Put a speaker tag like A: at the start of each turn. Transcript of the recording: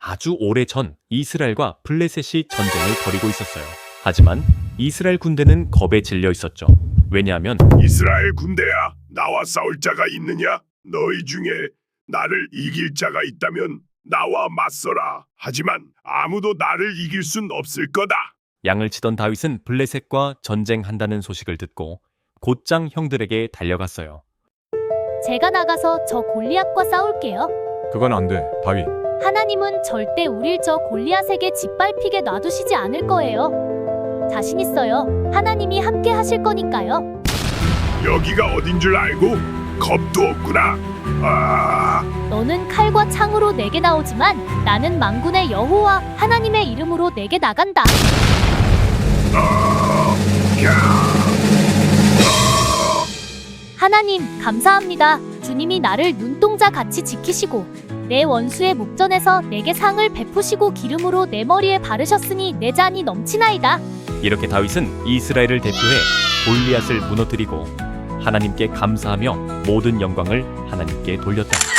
A: 아주 오래전 이스라엘과 블레셋이 전쟁을 벌이고 있었어요. 하지만 이스라엘 군대는 겁에 질려 있었죠. 왜냐하면
B: 이스라엘 군대야, 나와 싸울 자가 있느냐? 너희 중에 나를 이길 자가 있다면 나와 맞서라. 하지만 아무도 나를 이길 순 없을 거다.
A: 양을 치던 다윗은 블레셋과 전쟁한다는 소식을 듣고 곧장 형들에게 달려갔어요.
C: 제가 나가서 저 골리앗과 싸울게요.
D: 그건 안 돼, 다윗.
C: 하나님은 절대 우릴 저 골리앗에게 짓밟히게 놔두시지 않을 거예요. 자신 있어요. 하나님이 함께 하실 거니까요.
B: 여기가 어딘 줄 알고 겁도 없구나. 아,
C: 너는 칼과 창으로 내게 나오지만 나는 만군의 여호와 하나님의 이름으로 내게 나간다. 하나님, 감사합니다. 주님이 나를 눈동자 같이 지키시고 내 원수의 목전에서 내게 상을 베푸시고 기름으로 내 머리에 바르셨으니 내 잔이 넘치나이다.
A: 이렇게 다윗은 이스라엘을 대표해 골리앗을 무너뜨리고 하나님께 감사하며 모든 영광을 하나님께 돌렸다.